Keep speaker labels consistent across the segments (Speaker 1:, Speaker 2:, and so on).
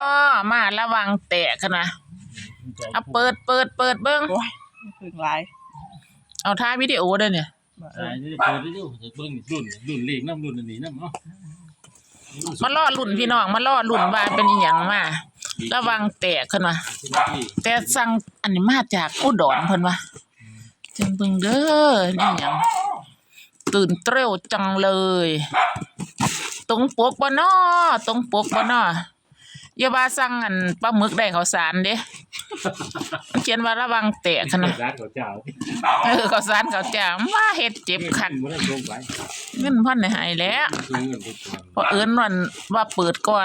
Speaker 1: อ๋อมาระวังแตกกันนะเอาเปิดเบิ้ง
Speaker 2: โอ้ยถึงหลาย
Speaker 1: เอาถ่ายวิดีโอได้เนี่ย
Speaker 3: ตายนี่เปิดได้อยู่เบิ่งรุ่นเลขน้ำรุ่นอันนี้น้ำเนาะ
Speaker 1: มาล่อลุ่นพี่น้องมาล่อลุ่นว่าเป็นอีหยังมาระวังแตกขึ้นมาแต่สั่งอันนี้มาจากอุดรเพิ่นว่าจังเบิ่งเด้อนี่หยังตื่นเต้วจังเลยตรงปกบ่น้อตรงปกบ่น้ออย่าว่าสั่งอันปลาหมึกได้ข้าวสารเด้มันเขียนว่าระวังแตกคั่นน่ะ
Speaker 3: ร้านเขาเจ้า
Speaker 1: ข้าวสารข้าวจ้ามาเฮ็ดเจ็บคัก
Speaker 3: บ่ได้ลงไป
Speaker 1: เงินพันได้ให้แล้ว
Speaker 3: ซื้อเงินไปก่อน
Speaker 1: เพราะเอิ้นว่าเปิดก่อน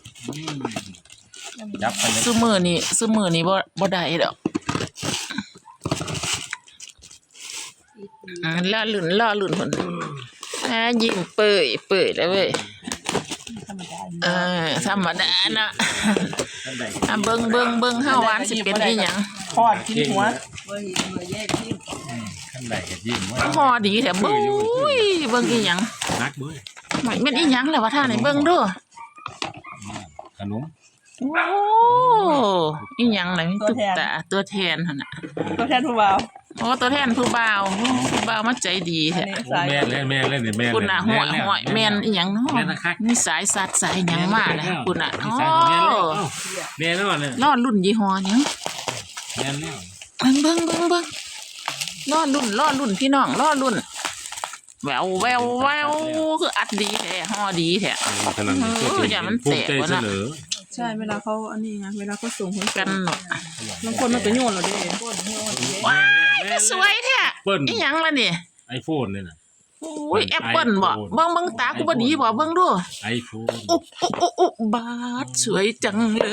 Speaker 3: จับไปเลย
Speaker 1: ซื้อมือนี่บ่ได้ดอกล่อลุ่นพุ่นยิ้มเปื่อยแล้วเว้ย
Speaker 2: ธรรมดา
Speaker 1: ธรรมดาเนาะ
Speaker 3: ท่านใด
Speaker 1: เบิ่งเฮาหวานสิเป็นอีหยัง
Speaker 2: พอดกินหัว
Speaker 3: ท่านใดก็ยิ้มว่า
Speaker 1: ฮอดีแท้บุ้ยเบิ่งอีหยัง
Speaker 3: นักเบ้ย
Speaker 1: ไม่แม่นอีหยังแล้วว่าท่าไหนเบิ่งดู
Speaker 3: ขนม
Speaker 1: โอ้อีหยังล่ะมีตุ๊กตาตัวแทนหั่นน่ะ
Speaker 2: ตัวแทนผู้บ่าว
Speaker 1: โอ้ตัวแทนผู้บ่าวมาใจดีแท้
Speaker 3: แม่เล่นนี่แม่
Speaker 1: คุณน่ะห้อยแม่นอีหยังเนาะมีสายสัตว์สายหยังมาแล้วคุณน่ะโอ้
Speaker 3: แม่แล้วเนี่ย
Speaker 1: รอรุ่นยี่ห้อหยัง
Speaker 3: แม่แล้ว
Speaker 1: เบิ่งรอรุ่นพี่น้องรอรุ่นแววคืออัดดีแท้ห่อดีแท้
Speaker 3: ขนาดนี้ก็จะมันแตกวะนะ
Speaker 2: ใช่เวลาเขาอันนี้ไงเวลาเขาส่งคน
Speaker 1: กันเนาะ
Speaker 2: บางคนมันก็โยนเราดิ
Speaker 1: ว้ายสวยแท้
Speaker 3: เปิ้ล
Speaker 1: อีหยังล่ะนี่
Speaker 3: ไอโฟนเนี่ยนะ
Speaker 1: โอ้ยแอปเปิ้ลบ่เบิ่งตากูบ่ดีบ่เบิ่งดู
Speaker 3: ไอโฟน
Speaker 1: อุ๊บาดสวยจังเลย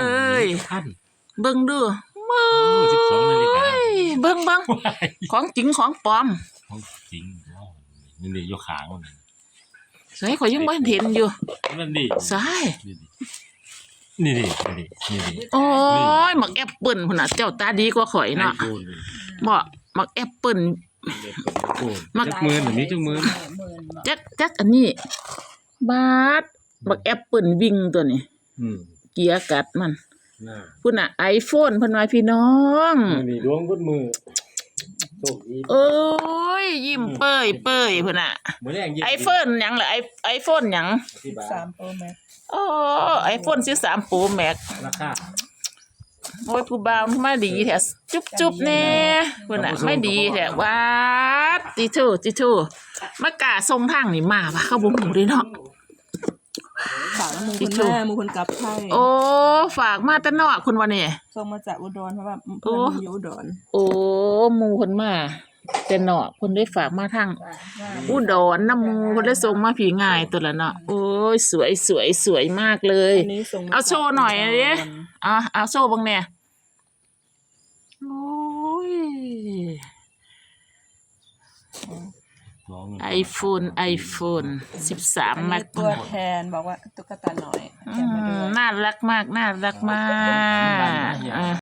Speaker 3: ท่าน
Speaker 1: เบิ่งดูมื
Speaker 3: 12 นาฬิกา
Speaker 1: เบิ่งของจริงของปลอม
Speaker 3: ของจริงนี่ยกขามัน
Speaker 1: สวยข่อยยังบ่เห็นอยู่
Speaker 3: นั่นดิ
Speaker 1: สาย
Speaker 3: นี่
Speaker 1: โอ้ยหมักแอปเปิ้ลพุ่นน่ะเจ้าตาดีกว่าข่อย
Speaker 3: ไอ
Speaker 1: เนาะ
Speaker 3: โฟน
Speaker 1: บ่หมักแอปเปิ้ล
Speaker 3: จักมือแบบนี้จักมือ
Speaker 1: จักอันนี้บาดหมักแอปเปิ้ลวิ่งตัวนี้เกียร์กัดมัน
Speaker 3: น่า
Speaker 1: พุ่นน่ะ iPhone เพิ่นว่าพี่น้อง
Speaker 3: นี่ดวงบนมือโชคดี
Speaker 1: โอ้ยยิ้มเป้ยพุ่นน่ะ
Speaker 3: มื้อแรงยิ้ม
Speaker 1: iPhone หยังล่ะiPhone หยัง
Speaker 2: 3 Pro Max
Speaker 1: โอ้ iPhone 13 Pro Max
Speaker 3: ราคา
Speaker 1: โอ้ยผู้บ่าวมาดีแท้จุ๊บแน่พุ่นน่ะไม่ดีแท้วาดจิทูมากล้าส่งทางนี่มาว่าเขาบ่ฮู้เด้เนาะ
Speaker 2: ฝากมือคนแม่มือคนกลับไทย
Speaker 1: โอ้ฝากมาแต่นอกคุณว่านี่
Speaker 2: ส่งมาจากอุดรเพราะว่าเพื่อนอยู่อุดร
Speaker 1: โอ้หมู่คนมาแต่นอกคนได้ฝากมาทางอุดรน้ำหมู่คนได้ส่งมาผีง่ายตัวละเนาะโอ้ยสวยมากเลย
Speaker 2: อันนี้ส่งมา
Speaker 1: เอาโชว์หน่อยดิเอาโชว์บังแน่โอ้ย iPhone 13 Max
Speaker 2: ตัวแทนบอกว่าตุ๊กตาหน่อยแทนมาด้วย
Speaker 1: น่ารักมาก